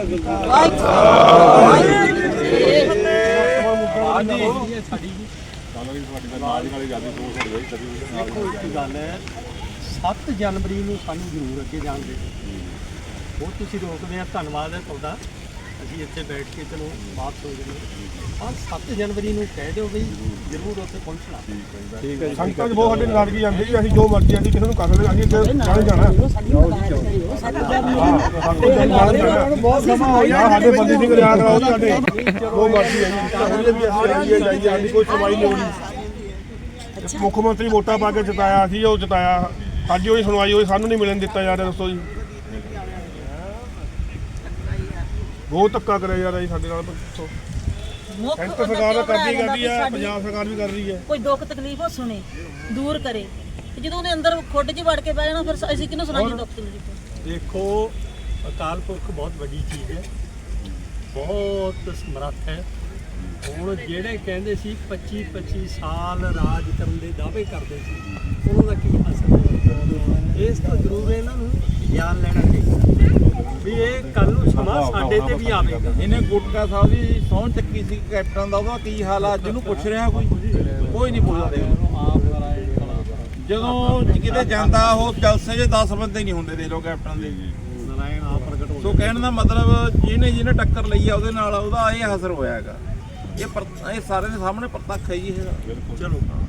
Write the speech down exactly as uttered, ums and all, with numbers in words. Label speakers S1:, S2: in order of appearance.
S1: ਗੱਲ ਹੈ ਸੱਤ ਜਨਵਰੀ ਨੂੰ ਸਾਨੂੰ ਜ਼ਰੂਰ ਅੱਗੇ ਜਾਣ ਦੇ ਉਹ ਤੁਸੀਂ ਰੋਕਦੇ ਆ। ਧੰਨਵਾਦ ਹੈ ਤੁਹਾਡਾ। ਅਸੀਂ ਇੱਥੇ ਬੈਠ ਕੇ ਚਲੋ ਵਾਪਸ ਹੋ ਜਾਂਦੇ ਹਾਂ। ਸੱਤ ਜਨਵਰੀ ਨੂੰ ਕਹਿ ਦਿਓ ਬਈ ਜ਼ਰੂਰ ਉੱਥੇ ਪਹੁੰਚਣਾ। ਠੀਕ ਹੈ।
S2: ਸੰਗਤਾਂ 'ਚ ਬਹੁਤ ਸਾਡੇ ਨਾਰਾਜ਼ਗੀ ਜਾਂਦੀ ਜੀ। ਅਸੀਂ ਜੋ ਮਰਜ਼ੀ ਅਸੀਂ ਕਿਸੇ ਨੂੰ ਕਰ ਸਕਦੇ ਅਸੀਂ ਜਾਣੇ ਜਾਣਾ ਬਹੁਤ ਸਮਾਂ ਹੋ ਗਿਆ। ਸਾਡੇ ਬੰਦੀ ਸਿੰਘ ਰਿਆਦ ਆਓ ਸਾਡੇ ਜੋ ਮਰਜ਼ੀ ਹੈ ਜੀ ਵੀ ਅਸੀਂ ਆਈਏ ਜਾਈਏ ਸਾਡੀ ਕੋਈ ਸੁਣਵਾਈ ਨਹੀਂ ਹੋਣੀ। ਮੁੱਖ ਮੰਤਰੀ ਵੋਟਾਂ ਪਾ ਕੇ ਜਿਤਾਇਆ ਸੀ ਉਹ ਜਿਤਾਇਆ ਸਾਡੀ ਉਹੀ ਸੁਣਵਾਈ ਹੋਈ ਸਾਨੂੰ ਨਹੀਂ ਮਿਲਣ ਦਿੱਤਾ ਜਾ ਰਿਹਾ। ਦੱਸੋ ਜੀ ਬਹੁਤ ਧੱਕਾ ਕਰਿਆ ਜਾ ਰਿਹਾ ਜੀ ਸਾਡੇ ਨਾਲ। ਸੈਂਟਰ ਸਰਕਾਰ ਕਰਦੀ ਕਰਦੀ ਹੈ ਪੰਜਾਬ ਸਰਕਾਰ ਵੀ ਕਰ ਰਹੀ ਹੈ।
S3: ਕੋਈ ਦੁੱਖ ਤਕਲੀਫ ਉਹ ਸੁਣੇ ਦੂਰ ਕਰੇ। ਜਦੋਂ ਉਹਦੇ ਅੰਦਰ ਖੁੱਡ 'ਚ ਵੜ ਕੇ ਬਹਿ ਜਾਣਾ ਫਿਰ ਅਸੀਂ ਕਿਹਨੂੰ ਸੁਣਾਈਏ ਦੁੱਖ ਤਕਲੀਫ।
S1: ਦੇਖੋ ਅਕਾਲ ਪੁਰਖ ਬਹੁਤ ਵੱਡੀ ਚੀਜ਼ ਹੈ, ਬਹੁਤ ਸਮਰੱਥ ਹੈ। ਹੁਣ ਜਿਹੜੇ ਕਹਿੰਦੇ ਸੀ ਪੱਚੀ ਪੱਚੀ ਸਾਲ ਰਾਜ ਕਰਨ ਦੇ ਦਾਅਵੇ ਕਰਦੇ ਸੀ ਉਹਨਾਂ ਦਾ ਕੀ ਅਸਰ ਹੋਇਆ। ਇਸ ਤੋਂ ਜ਼ਰੂਰ ਇਹਨਾਂ ਨੂੰ ਗਿਆਨ ਲੈਣਾ ਚਾਹੀਦਾ ਵੀ ਇਹ ਕੱਲ ਨੂੰ ਸਮਾਂ ਸਾਡੇ ਤੇ ਵੀ ਆਵੇਗਾ।
S4: ਇਹਨੇ ਗੁਟਕਾ ਸਾਹਿਬ ਦੀ ਸਹੁੰ ਚੱਕੀ ਸੀ ਕੈਪਟਨ ਦਾ, ਉਹਦਾ ਕੀ ਹਾਲ ਆ ਜਿਹਨੂੰ ਪੁੱਛ ਰਿਹਾ ਕੋਈ ਕੋਈ ਨਹੀਂ ਪੁੱਛਦਾ। ਜਦੋਂ ਕਿਤੇ ਜਾਂਦਾ ਉਹ ਜਲਸੇ 'ਚ ਦਸ ਬੰਦੇ ਨਹੀਂ ਹੁੰਦੇ ਦੇ ਲੋ ਕੈਪਟਨ ਦੇ।
S1: ਨਾਰਾਇਣ ਆ ਪ੍ਰਗਟ ਹੋ
S4: ਸੋ ਕਹਿਣ ਦਾ ਮਤਲਬ ਜਿਹਨੇ ਜਿਹਨੇ ਟੱਕਰ ਲਈ ਆ ਉਹਦੇ ਨਾਲ ਉਹਦਾ ਇਹ ਅਸਰ ਹੋਇਆ ਹੈਗਾ। ਇਹ ਇਹ ਸਾਰਿਆਂ ਦੇ ਸਾਹਮਣੇ ਪ੍ਰਤੱਖ ਹੈ ਜੀ ਇਹਦਾ।
S1: ਚਲੋ